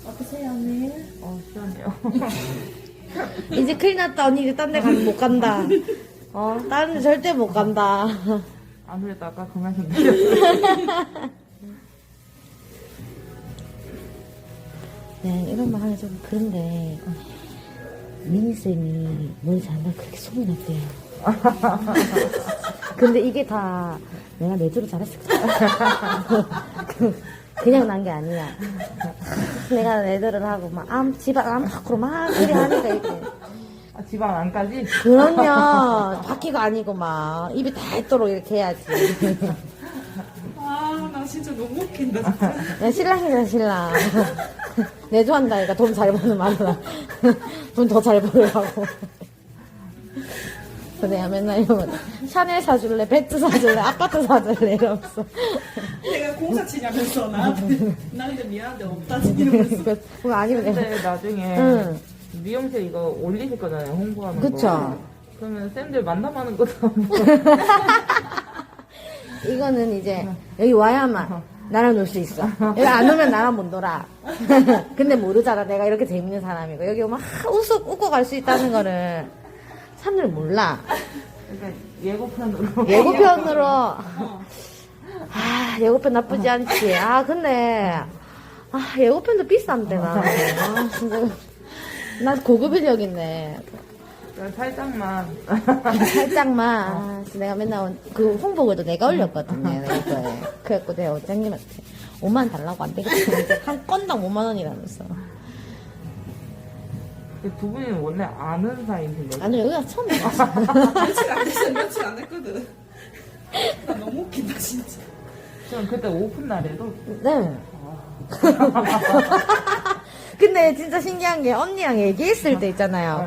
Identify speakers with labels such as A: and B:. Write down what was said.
A: 어떠세요, 언니?
B: 시원해요.
C: 이제 큰일 났다. 언니 이제 딴 데 못 간다. 다른 데 절대 못 간다.
B: 안 그랬다가 그만 좀 내렸어요.
C: 네, 이런 말 하면 좀 그런데, 미니쌤이 머리 잘한다 그렇게 소문이 났대요. 근데 이게 다 내가 내조를 잘했을 거야. 그냥 난 게 아니야. 내가 내조를 하고 막 집안 암 밖으로 막 그래 하니까 이게.
B: 집안 안까지?
C: 그럼요. 바퀴가 아니고 막 입이 닳도록 이렇게 해야지.
A: 아, 나 진짜 너무 웃긴다, 진짜.
C: 야, 신랑이잖아, 신랑. 내조한다니까 돈 잘 버는 말라. 돈 더 잘 벌으라고. 그래서 내가 맨날 이러면 샤넬 사줄래, 배트 사줄래, 아파트 사줄래 이러면서.
A: 내가 공사 치냐면서 나한테. 나 이제 미안한데 없다, 이러면서.
C: 그거 아니면 내가.
B: 근데 나중에
C: 응.
B: 미용실 이거 올리실 거잖아요, 홍보하는
C: 그쵸.
B: 거. 그러면 쌤들 만남하는 것도 한번.
C: 이거는 이제 여기 와야만 나랑 놀 수 있어. 여기 안 오면 나랑 못 놀아. 근데 모르잖아. 내가 이렇게 재밌는 사람이고. 여기 오면 웃고 갈 수 있다는 거를 사람들 몰라.
B: 그러니까 예고편으로.
C: 예고편으로. 예고편 나쁘지 않지. 근데, 예고편도 비싼데, 나. 진짜. 나 고급을 여기네.
B: 살짝만.
C: 살짝만. 내가 맨날 그 홍보글도 내가 올렸거든요. 이거에. 그래갖고 내가 원장님한테 5만 달라고 안 되겠지. 한 건당 5만 원이라면서.
B: 두 분이는 원래 아는 사이인데.
C: 아니, 여기가 처음 봤어.
A: 며칠 안 됐어, 며칠 안 했거든. 나 너무 웃긴다, 진짜.
B: 전 그때 오픈 날에도.
C: 네. 근데 진짜 신기한 게 언니랑 얘기했을 때 있잖아요.